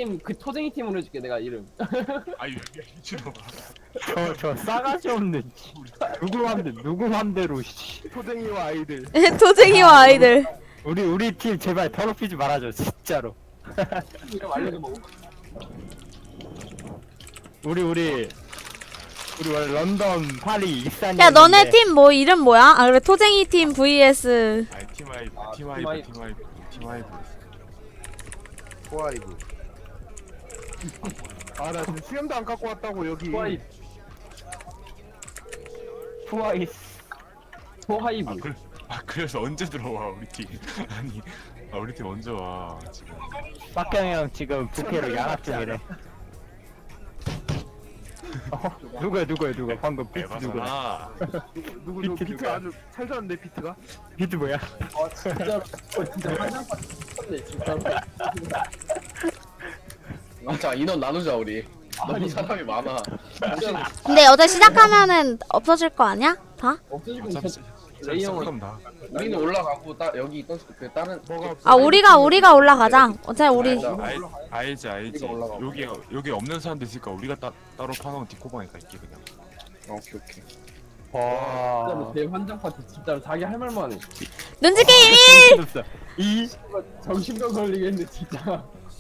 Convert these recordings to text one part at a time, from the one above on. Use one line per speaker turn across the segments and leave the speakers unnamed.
게임 그 토쟁이 팀으로 해줄게 내가 이름.
아이 미친놈아.
저 싸가지 없는 누구 맘대로 씨.
토쟁이와 아이들.
토쟁이와 아이들.
우리 팀 제발 더럽히지 말아줘 진짜로.
이름 알려줘.
우리 원래 런던, 파리, 익산.
야 너네 팀 뭐 이름 뭐야? 아 그래 토쟁이 팀 vs
아이 팀아이브.
포아이브. 아나 지금 수염도 안 깎고 왔다고 여기.
토하이브.
그래서 언제 들어와 우리 팀? 아니 우리 팀 언제 와 지금?
빡경 형 지금 부캐로 양압 중이래. 누구야 방금 비트 누구야?
누구
비트
비트
누구야?
아주 잘 잤는데 비트가.
비트 뭐야?
진짜로. 진짜 한장판 쳤네 진짜로.
맞아, 인원 나누자 우리. 너무 사람이 많아.
근데 어제 시작하면은 없어질 거 아니야? 다?
없어지고
어차피
레이 형은
그럼 나.
우리는 올라가고 여기 있던 그 다른
아 우리가 올라가자. 어차피 우리
알지.
우리가 올라가고.
여기 없는 사람들 있으니까 우리가 따로 파놓은 디코방에 갈게 그냥.
오케이.
와.
진짜로 제 환장판 진짜로 자기 할 말만 해.
눈치 게임 1!
정신병 걸리겠네 진짜.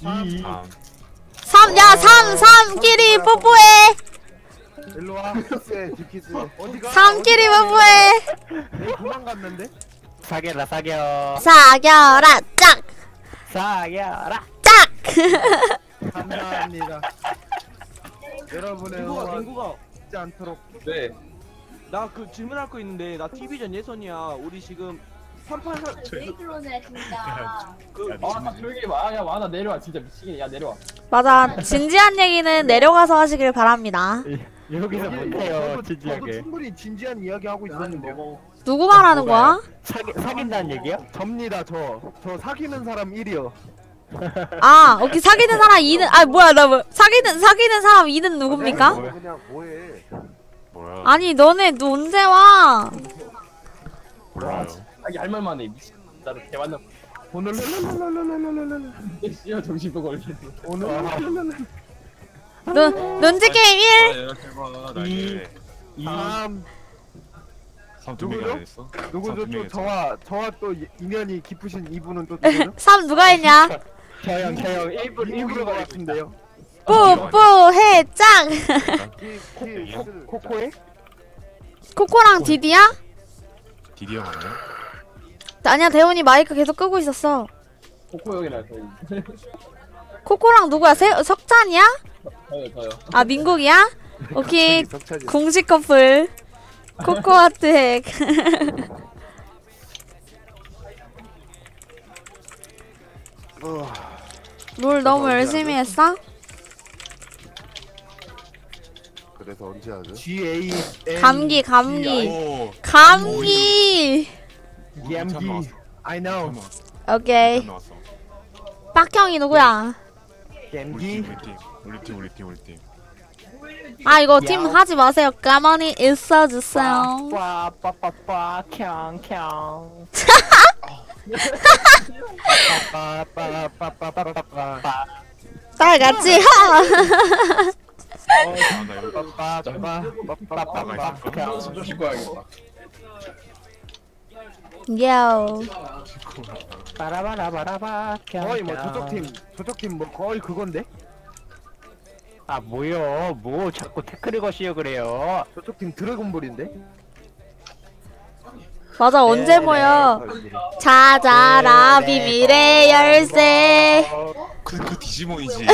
3! 야 3끼리 뽀뽀해!
일로 와. 키스해 디키스. 어디가?
3끼리 뽀뽀해!
내 도망갔는데?
사겨라
사겨라 짝!
사겨라.
짝!
감사합니다. 여러분의 응원
민구가.
잊지 않도록.
네.
나 그 질문할 거 있는데 나 TV전 예선이야. 우리 지금 3판
왜 그러네 진짜.
아 조용히 해. 야 와나 내려와 진짜 미치겠네. 야 내려와.
맞아 진지한 얘기는 내려가서 하시길 바랍니다.
여기서 못해요
저도
진지하게.
충분히 진지한 이야기 하고 있었는데요.
누구 말하는 거야?
사귄다는 얘기야?
접니다 저 사귀는 사람 1이요.
아 오케이 사귀는 사람 2는 아 뭐야 나 뭐 사귀는 사람 2는 누굽니까?
그냥 뭐해?
뭐야?
아니 너네 너 언제 와?
몰라요.
자기 할 말만 해. 미친. 진짜로 개만나.
오늘 랄랄랄랄랄랄랄랄.
씨야 정신병 걸리겠네.
오늘 랄랄랄랄.
눈치 게임 1!
이렇게 봐 나게.
3
삼두명이 안 했어?
누구죠? 또 저와 또 인연이 깊으신 이분은 또 누구죠?
3 누가 했냐?
저형
일부러 것 같은데요.
뽀뽀해 짱!
코코에?
코코랑 디디야?
디디어 맞나?
아니야 대훈이 마이크 계속 끄고 있었어.
코코 형이라 저희.
코코랑 누구야? 석찬이야?
저요.
아 민국이야? 오케이
석찬이.
공식 커플 코코아트 핵. 롤 너무 열심히 했어?
그래서 언제 하죠? G A
감기
오.
감기.
감기. I know.
오케이
나왔어.
빡형이 누구야?
감기.
우리 팀.
아 이거 팀 하지 마세요. 가만히 있어주세요.
빠빠빠빠 캉캉. 빠빠빠빠빠빠빠.
딸같이 하.
나 여기
빠빠빠빠빠빠.
좀 씻고 와야겠다.
요.
빠라바라바라바.
거의 뭐 저쪽 팀 뭐 거의 그건데?
아 뭐요? 뭐 자꾸 태클을 거시려 그래요?
저쪽 팀 드래곤볼인데?
맞아 언제 모여? 찾아라 비밀의 열쇠.
그 디지몬이지.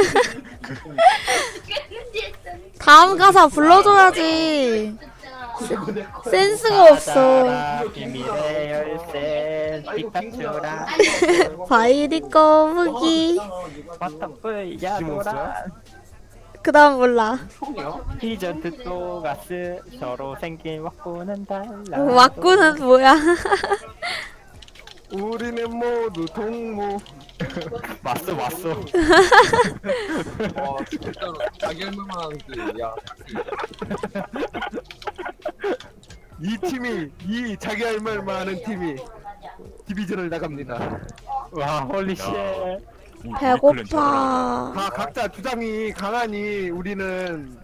다음 가사 불러줘야지. 센스가 없어.
찾아라 비밀의 열쇠 피카츄라
바이리 거북이.
버터풀 야도라
그 다음 몰라.
히전트 또 가스 서로 생긴 왁구는 달라.
왁구는 뭐야?
우리는 모두 동무.
왔어
와 진짜로 자기 할 말만 하는 그 야.
이 자기 할 말만 하는 팀이 디비전을 나갑니다.
와 홀리쉣
배고파.
각자 주장이 강하니 우리는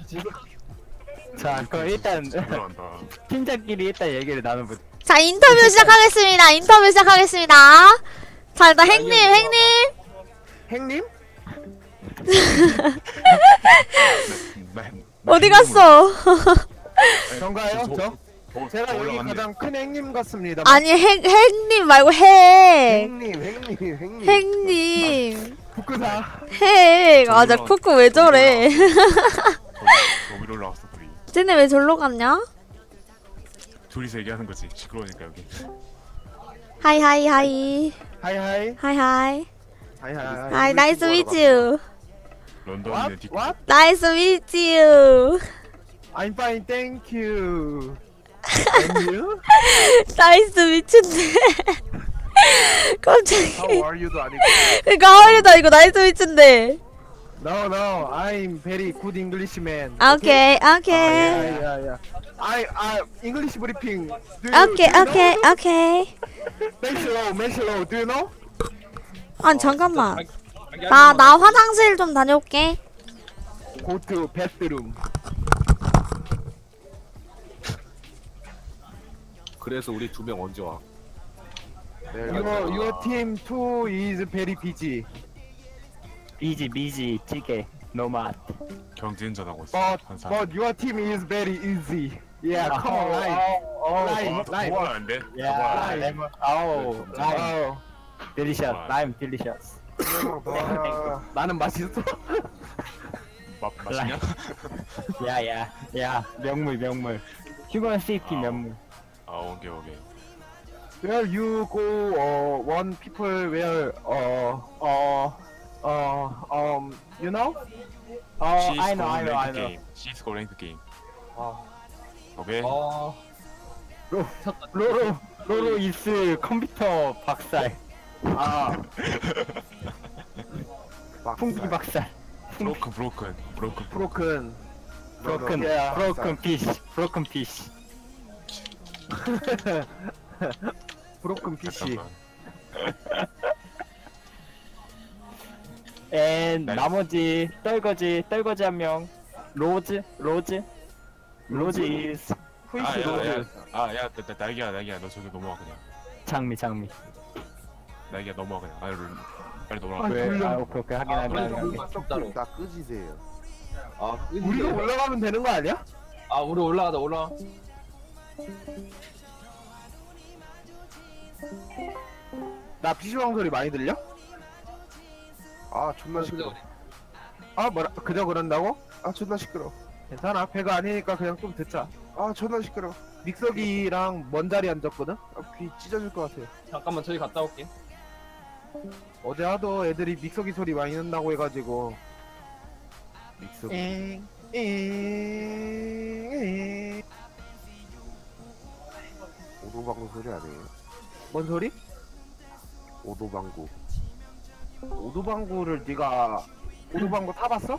자 그럼 일단
들어간다.
팀장끼리 일단 얘기를 나눠보자.
자, 인터뷰 시작하겠습니다. 인터뷰 시작하겠습니다. 자, 일단 행님.
행님?
어디 갔어?
전가요? 저? 제가 여기
올라갔네.
가장 큰 행님 같습니다.
아니, 행님 말고 행님.
행님. 북구사.
행. 아, 나 쿠쿠 왜 저래?
저 위로 올라왔어 둘이.
쟤네 왜 절로 갔냐?
둘이서 얘기하는 거지. 시끄러우니까 여기.
하이.
하이하이.
하이.
하이하이.
나이스 미츠 유.
런던에 디코.
What?
나이스 미츠 유.
I'm fine, thank you. And you?
나이스 미츠인데. 갑자기.
How are you도 아니고.
그니까 하울이다 이거 나이스 미츠인데.
No, I'm very good Englishman.
오케이.
Yeah. I English briefing. Do you
오케이.
Maslow, do you know?
아니 잠깐만. 나 화장실 좀 다녀올게.
Go to bathroom.
그래서 우리 2명 언제 와?
Your team too is very busy.
미지 찌개 노맛.
경쟁전 하고 있어. 한 사람.
But your team is very easy. Yeah, come on,
와,
라임.
좋아하는데?
야 레몬. 아우 라임
Oh,
딜리셔스. 라임 딜리셔스.
나는 맛있어.
맛있냐?
야 명물. 휴먼 시티 명물.
아 오케이.
Where you go, one people where, you know?
I know.
She's going to game.
어.
오케이.
로로 이스 컴퓨터 박살. 풍기 박살.
브로큰.
브로큰 피시.
브로큰 PC.
앤 나머지 떨거지 한 명. 로즈 is
후이스 로즈.
야, 날개야. 너 저기 넘어와 그냥.
장미.
날개야 넘어와 그냥. 빨리
아,
넘어와.
왜?
졸려.
오케이 확인하게.
나 끄지세요.
우리가 올라가면 되는 거 아니야?
우리 올라가자.
나 PC방 소리 많이 들려?
존나 시끄러.
그저 그런다고?
존나 시끄러.
괜찮아. 배가 아니니까 그냥 좀 듣자.
존나 시끄러.
믹서기랑 먼 자리 앉았거든?
귀 찢어질 것 같아요.
잠깐만 저기 갔다 올게.
어제 하도 애들이 믹서기 소리 많이 난다고 해가지고.
믹서기. 오도방구 소리 아니에요?
뭔 소리?
오도방구.
오도방구를 네가 오도방구 타봤어?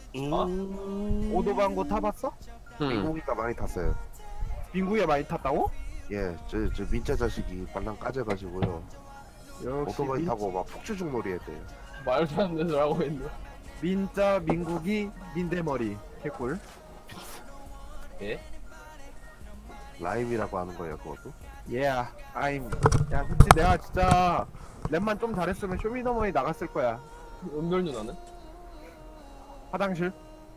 오도방구 타봤어?
민국이가 많이 탔어요.
민구에 많이 탔다고?
예, 저 민자 자식이 발랑 까져가지고요.
역시
오토바이 타고 막 폭주중 놀이 했대요.
말도 안 되는 소리 하고 있네.
민자 민국이 민대머리 개꿀.
라임이라고 하는 거예요, 그것도?
Yeah, 야 솔직히 내가 진짜 랩만 좀 잘했으면 쇼미더머니 나갔을 거야.
은별 누나는?
화장실.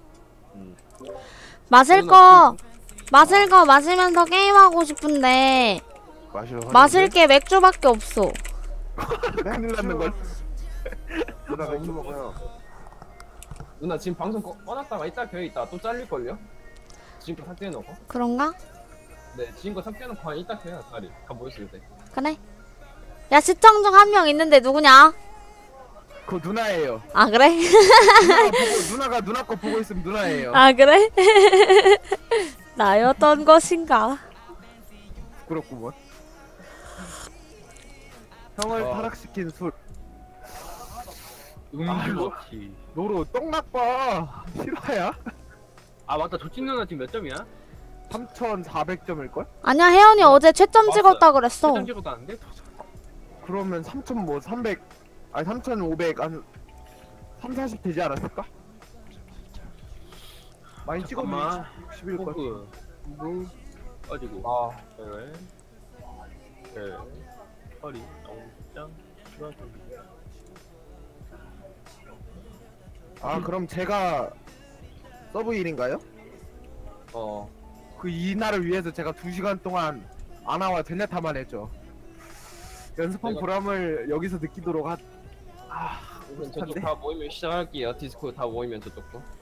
마실 거 마시면서 게임하고 싶은데 마실 게 맥주밖에 없어.
큰일 났는 걸.
누나 맥주 먹어요.
누나 지금 방송 꺼놨다가 이따 켜있다 또 잘릴걸요? 지금껏 삭제해놓고.
그런가?
네 지금껏 삭제해놓고 한 이따 켜요 다리 다 모였을 때.
그래. 야, 시청 중 한 명 있는데 누구냐?
그거 누나예요.
아, 그래?
누나가 누나 거 보고 있으면 누나예요.
아, 그래? 나였던 것인가?
부끄럽구먼. 형을 타락시킨 술. 노로 똥나빠. 실화야?
맞다. 조찐 누나 지금 몇 점이야?
3,400점일걸?
아니야, 혜연이 어제 최점
맞았어요.
찍었다 그랬어.
최점 찍었다는데?
그러면 3,300 아 3,500 한 3, 40 되지 않았을까? 많이 찍었네.
잠깐만.
60일 것.
포그 물 가지고
아
네 허리 영장 추가됩니다.
아 그럼 제가 서브 1인가요? 그 이날을 위해서 제가 2시간 동안 아나와 젠야타만 했죠. 연습한
내가-
보람을 여기서 느끼도록
우선 저쪽 다 모이면 시작할게요. 디스코 다 모이면 저쪽도.